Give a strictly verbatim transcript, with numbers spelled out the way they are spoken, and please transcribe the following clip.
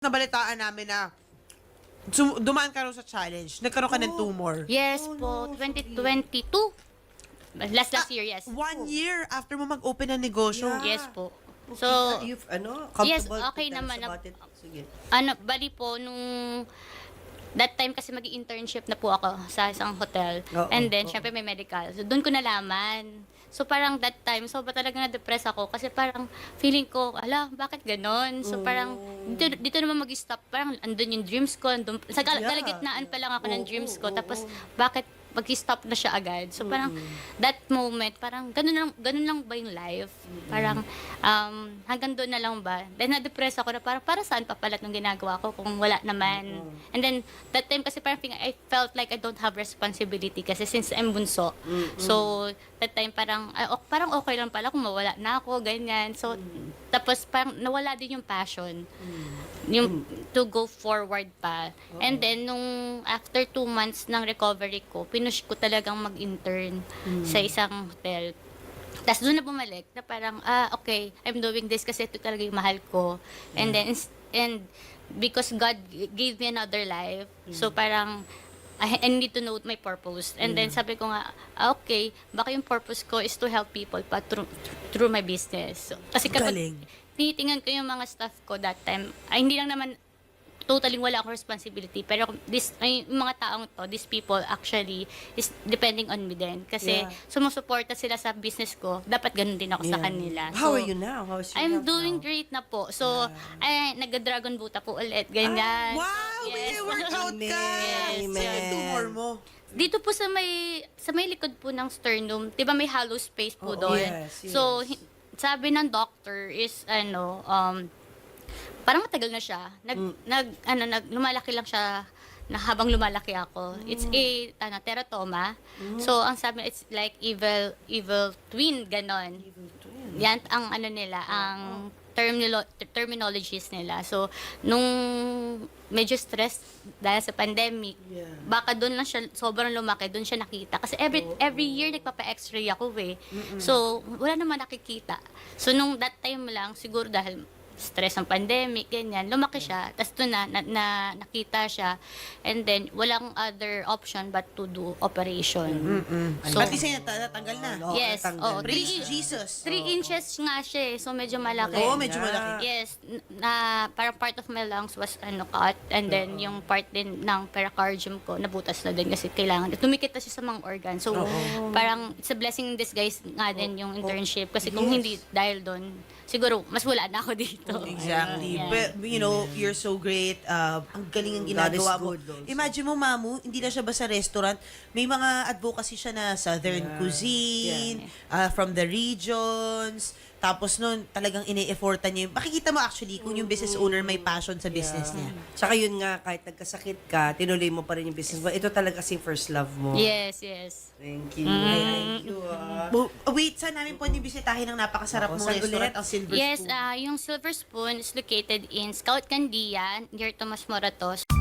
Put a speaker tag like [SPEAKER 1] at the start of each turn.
[SPEAKER 1] Nabalitaan namin na sum- dumaan ka raw sa challenge. Nagkaroon ka ng tumor.
[SPEAKER 2] Yes
[SPEAKER 3] Oh,
[SPEAKER 2] po,
[SPEAKER 3] no,
[SPEAKER 2] twenty twenty-two. Last last
[SPEAKER 1] Ah,
[SPEAKER 2] year, yes.
[SPEAKER 1] One year after mo mag-open ng negosyo.
[SPEAKER 3] Yeah.
[SPEAKER 2] Yes po.
[SPEAKER 3] Okay,
[SPEAKER 2] So,
[SPEAKER 3] na- you've, ano,
[SPEAKER 2] yes,
[SPEAKER 3] comfortable
[SPEAKER 2] okay
[SPEAKER 3] to tell
[SPEAKER 2] naman
[SPEAKER 3] us
[SPEAKER 2] na-
[SPEAKER 3] about it? Sige.
[SPEAKER 2] ano, bali po, nung that time kasi mag-internship na po ako sa isang hotel.
[SPEAKER 3] Oo,
[SPEAKER 2] And then,
[SPEAKER 3] oo.
[SPEAKER 2] syempre may medical. So, doon ko nalaman. So, parang that time, so ba talaga na-depress ako kasi parang feeling ko, ala, bakit ganon? So, parang dito, dito naman mag-stop. Parang andun yung dreams ko. Andun, sa kal-
[SPEAKER 3] Yeah,
[SPEAKER 2] kalagitnaan pa lang ako ng
[SPEAKER 3] Oo,
[SPEAKER 2] dreams ko.
[SPEAKER 3] oo,
[SPEAKER 2] Tapos,
[SPEAKER 3] oo.
[SPEAKER 2] bakit mag-stop na siya agad? So, parang that moment, parang ganun lang, ganun lang ba yung life? Parang um, hanggang doon na lang ba? Then, na-depress ako na parang, para saan pa pala itong ginagawa ko kung wala naman? And then, that time kasi parang I felt like I don't have responsibility kasi since I'm bunso. So, that time parang, ay, ok- parang okay lang pala kung mawala na ako, ganyan. So, tapos parang nawala din yung passion. Yung to go forward pa. And then, nung after two months ng recovery ko, pinush ko talagang mag-intern sa isang hotel. Tapos doon na bumalik na parang, ah, okay, I'm doing this kasi ito talaga yung mahal ko. And then, and because God gave me another life, so parang, I, I need to know my purpose. And then sabi ko nga, ah, okay, baka yung purpose ko is to help people pa through, through my business. So, kasi kapag
[SPEAKER 1] Galing.
[SPEAKER 2] tinitingnan ko yung mga staff ko that time, ay hindi lang naman totally wala akong responsibility. Pero this, ay, yung mga taong to, these people actually is depending on me din. Kasi
[SPEAKER 3] Yeah.
[SPEAKER 2] sumusuporta sila sa business ko, dapat ganun din ako sa
[SPEAKER 3] Yeah.
[SPEAKER 2] kanila.
[SPEAKER 3] How
[SPEAKER 2] So,
[SPEAKER 3] are you now? How's your
[SPEAKER 2] I'm
[SPEAKER 3] health
[SPEAKER 2] doing
[SPEAKER 3] now?
[SPEAKER 2] great na po. So, ay, nag-dragon boot po ulit. Ganyan.
[SPEAKER 1] Wow! May
[SPEAKER 2] Yes.
[SPEAKER 1] workout ka!
[SPEAKER 3] Amen.
[SPEAKER 1] Saan yung tumor mo?
[SPEAKER 2] Dito po sa may sa may likod po ng sternum, 'di ba may hollow space po
[SPEAKER 3] Oo,
[SPEAKER 2] doon?
[SPEAKER 3] yes, yes.
[SPEAKER 2] So hi- sabi ng doctor is ano um parang matagal na siya. Nag nag ano nag lumalaki lang siya na habang lumalaki ako. It's a ano teratoma. So ang sabi it's like evil evil twin ganon. Yan ang ano nila, ang termino- terminologies nila. So, nung medyo stress dahil sa pandemic,
[SPEAKER 3] Yeah.
[SPEAKER 2] baka doon lang siya, sobrang lumaki, doon siya nakita. Kasi every every year nagpapa-x-ray ako eh. So, wala naman nakikita. So, nung that time lang, siguro dahil stress ng pandemic, ganyan, lumaki siya. Tapos doon na, na, na nakita siya. And then, walang other option but to do operation. So,
[SPEAKER 1] At least ay nat- natanggal na.
[SPEAKER 3] Oo,
[SPEAKER 2] yes.
[SPEAKER 3] natanggal
[SPEAKER 2] Oh,
[SPEAKER 3] na.
[SPEAKER 2] three,
[SPEAKER 1] Praise Jesus.
[SPEAKER 2] three inches nga siya eh. So, medyo malaki.
[SPEAKER 1] Oo, medyo
[SPEAKER 3] Yeah.
[SPEAKER 1] malaki.
[SPEAKER 2] Yes, n- na parang part of my lungs was ano cut and then yung part din ng pericardium ko nabutas na din kasi kailangan tumikit na siya sa mga organ. So parang it's a blessing in disguise nga din yung internship kasi kung
[SPEAKER 3] Yes.
[SPEAKER 2] hindi dahil doon siguro mas wala na ako dito.
[SPEAKER 1] Exactly.
[SPEAKER 2] Ayan.
[SPEAKER 1] But, you know, you're so great. Uh, ang galing ang
[SPEAKER 3] God
[SPEAKER 1] ginagawa
[SPEAKER 3] is
[SPEAKER 1] mo.
[SPEAKER 3] good also.
[SPEAKER 1] Imagine mo, Mamu, hindi na siya basta restaurant. May mga advocacy siya na Southern
[SPEAKER 3] Yeah.
[SPEAKER 1] cuisine, uh, from the regions. Tapos nun, talagang ini-effortan niya. yung- Makikita mo actually kung yung business owner may passion sa business niya.
[SPEAKER 3] Tsaka yun nga, kahit nagkasakit ka, tinuloy mo pa rin yung business mo. Ito talaga si first love mo.
[SPEAKER 2] Yes, yes.
[SPEAKER 3] Thank you.
[SPEAKER 2] Mm.
[SPEAKER 3] Thank you, ah.
[SPEAKER 1] Bo- wait, saan namin po nibisitahin ng napakasarap
[SPEAKER 3] Oo,
[SPEAKER 1] mong
[SPEAKER 3] saan
[SPEAKER 1] restaurant,
[SPEAKER 3] ulit?
[SPEAKER 1] ang Silver
[SPEAKER 2] Yes,
[SPEAKER 1] Spoon?
[SPEAKER 2] ah yung Silver Spoon is located in Scout Candia near Tomas Moratos.